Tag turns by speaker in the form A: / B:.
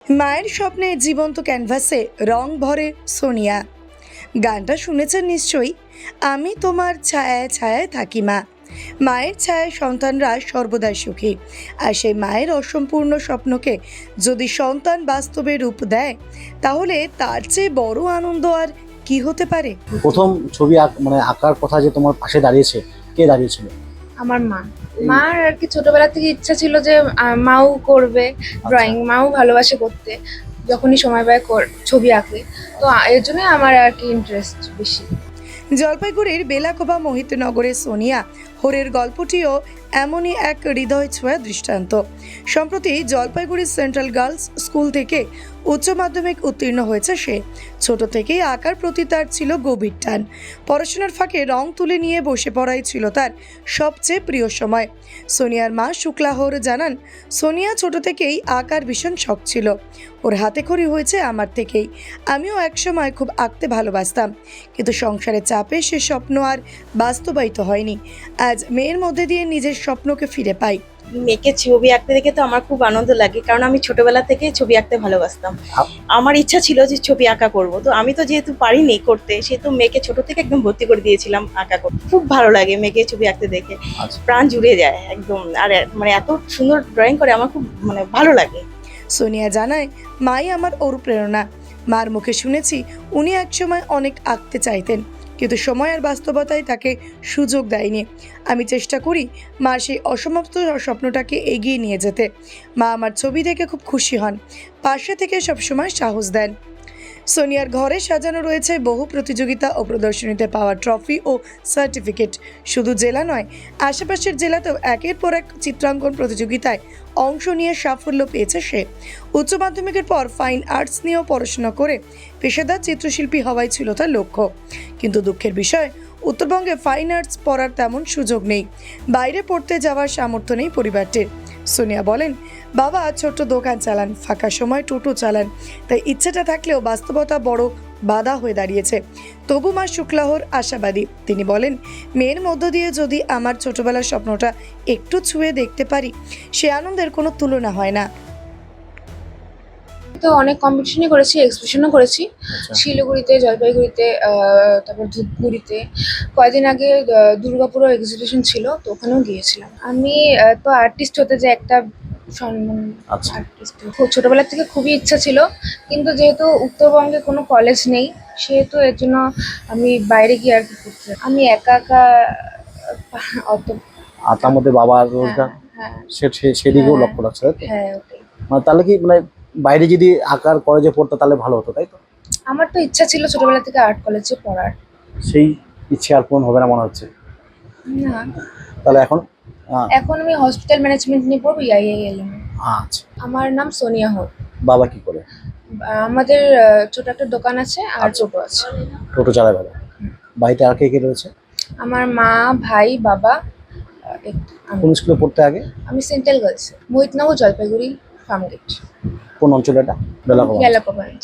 A: মায়ের স্বপ্নে জীবন্ত ক্যানভাসে রং ভরে সোনিয়া। গানটা শুনেছেন নিশ্চয়ই। আমি তোমার ছায়ায় ছায়ায় থাকি মা। মায়ের ছায়ায় সন্তানরা সর্বদাই সুখী, আর সেই মায়ের অসম্পূর্ণ স্বপ্নকে যদি সন্তান বাস্তবে রূপ দেয়, তাহলে তার চেয়ে বড় আনন্দ আর কি হতে পারে।
B: প্রথম ছবি মানে আঁকার কথা যে তোমার পাশে দাঁড়িয়েছে, কে দাঁড়িয়েছিল?
C: আমার মা। মার আর কি ছোটবেলা থেকে ইচ্ছা ছিল যে মাও করবে ড্রয়িং, মাও ভালোবাসে করতে, যখনই সময় পায় ছবি আঁকে। তো এর জন্য আমার আর কি ইন্টারেস্ট বেশি।
A: জলপাইগুড়ির বেলাকোবা মোহিতনগরের সোনিয়া হোরের গল্পটিও এমনই এক হৃদয় ছোঁয়া দৃষ্টান্ত। সম্প্রতি জলপাইগুড়ি সেন্ট্রাল গার্লস স্কুল থেকে উচ্চ মাধ্যমিক উত্তীর্ণ হয়েছে সে। ছোট থেকেই আঁকার প্রতি তার ছিল গভীর টান। পড়াশোনার ফাঁকে রং তুলে নিয়ে বসে পড়াই ছিল তার সবচেয়ে প্রিয় সময়। সোনিয়ার মা শুক্লা হোর জানান, সোনিয়া ছোট থেকেই আঁকার ভীষণ শখ ছিল। ওর হাতে খড়ি হয়েছে আমার থেকেই। আমিও একসময় খুব আঁকতে ভালোবাসতাম, কিন্তু সংসারের চাপে সে স্বপ্ন আর বাস্তবায়িত হয়নি। আজ মেয়ের মধ্যে দিয়ে নিজের স্বপ্নকে ফিরে পাই।
D: মেয়েকে ছবি আঁকতে দেখে তো আমার খুব আনন্দ লাগে, কারণ আমি ছোটবেলা থেকে ছবি আঁকতে ভালোবাসতাম। আমার ইচ্ছা ছিল যে ছবি আঁকা করব, তো আমি তো যেহেতু পারিনি করতে, সেহেতু মেয়েকে ছোট থেকে একদম ভর্তি করে দিয়েছিলাম আঁকা করতে। খুব ভালো লাগে মেয়েকে ছবি আঁকতে দেখে, প্রাণ জুড়ে যায় একদম। আর মানে এত সুন্দর ড্রয়িং করে, আমার খুব ভালো লাগে।
A: সোনিয়া জানায়, মাই আমার অনুপ্রেরণা। মার মুখে শুনেছি উনি একসময় অনেক আঁকতে চাইতেন, কিন্তু সময় আর বাস্তবতায় তাকে সুযোগ দেয়নি। আমি চেষ্টা করি মার সেই অসমাপ্ত স্বপ্নটাকে এগিয়ে নিয়ে যেতে। মা আমার ছবি দেখে খুব খুশি হন, পাশে থেকে সবসময় সাহস দেন। সোনিয়ার ঘরে সাজানো রয়েছে বহু প্রতিযোগিতা ও প্রদর্শনীতে পাওয়া ট্রফি ও সার্টিফিকেট। শুধু জেলা নয়, আশেপাশের জেলাতেও একের পর এক চিত্রাঙ্কন প্রতিযোগিতায় অংশ নিয়ে সাফল্য পেয়েছে সে। উচ্চ মাধ্যমিকের পর ফাইন আর্টস নিয়েও পড়াশোনা করে পেশাদার চিত্রশিল্পী হওয়াই ছিল তার লক্ষ্য। কিন্তু দুঃখের বিষয়, উত্তরবঙ্গে ফাইন আর্টস পড়ার তেমন সুযোগ নেই। বাইরে পড়তে যাওয়ার সামর্থ্য নেই পরিবারটির। সোনিয়া বলেন, বাবা ছোট্ট দোকান চালান, ফাঁকা সময় টোটো চালান, তাই ইচ্ছেটা থাকলেও বাস্তবতা বড় বাধা হয়ে দাঁড়িয়েছে। তবু মা শুক্লাহর আশাবাদী। তিনি বলেন, মেয়ের মধ্য দিয়ে যদি আমার ছোটবেলার স্বপ্নটা একটু ছুঁয়ে দেখতে পারি, সে আনন্দের কোনো তুলনা হয় না।
C: তো অনেক কম্পিটিশনই করেছি, এক্সিবিশনও করেছি, শিলিগুড়িতে, জলপাইগুড়িতে, তারপর ধূপগুড়িতে। কয়েকদিন আগে দুর্গাপুরও এক্সিবিশন ছিল, তো ওখানেও গিয়েছিলাম। আমি তো আর্টিস্ট হতে যে একটা সম্মান, আর্টিস্ট ছোটবেলা থেকে খুবই ইচ্ছা ছিল, কিন্তু যেহেতু উত্তরবঙ্গে কোনো কলেজ নেই, সেহেতু এর জন্য আমি বাইরে গিয়ে আর কি করতে। আমি একা একা অত
B: আর তার মধ্যে বাবার রোজগার, সেদিকেও লক্ষ্য রাখছে, তাই তো?
C: হ্যাঁ, ওটাই।
B: মানে তাহলে কি মানে বাইরে যদি আঁকার কলেজে পড়তো তাহলে ভালো হতো, তাই তো?
C: আমার তো ইচ্ছা ছিল ছোটবেলা থেকে আর্ট কলেজে পড়ার।
B: সেই ইচ্ছে আর পূরণ হবে না মনে হচ্ছে।
C: না,
B: তাহলে এখন
C: এখন আমি হসপিটাল ম্যানেজমেন্ট নিয়ে পড়বো, IILM।
B: আচ্ছা।
C: আমার নাম সোনিয়া হোর।
B: বাবা কি করে?
C: আমাদের ছোট একটা দোকান আছে আর টোটো আছে।
B: টোটো চালায় বাবা। বাড়িতে আর কে কে রয়েছে?
C: আমার মা, ভাই, বাবা, আমি।
B: কোন স্কুলে পড়তে আগে?
C: আমি সেন্ট্রাল গার্লস, মোহিতনগর, জলপাইগুড়ি, ফার্মগেট।
B: কোন অঞ্চলে এটা?
C: বেলাকোবা।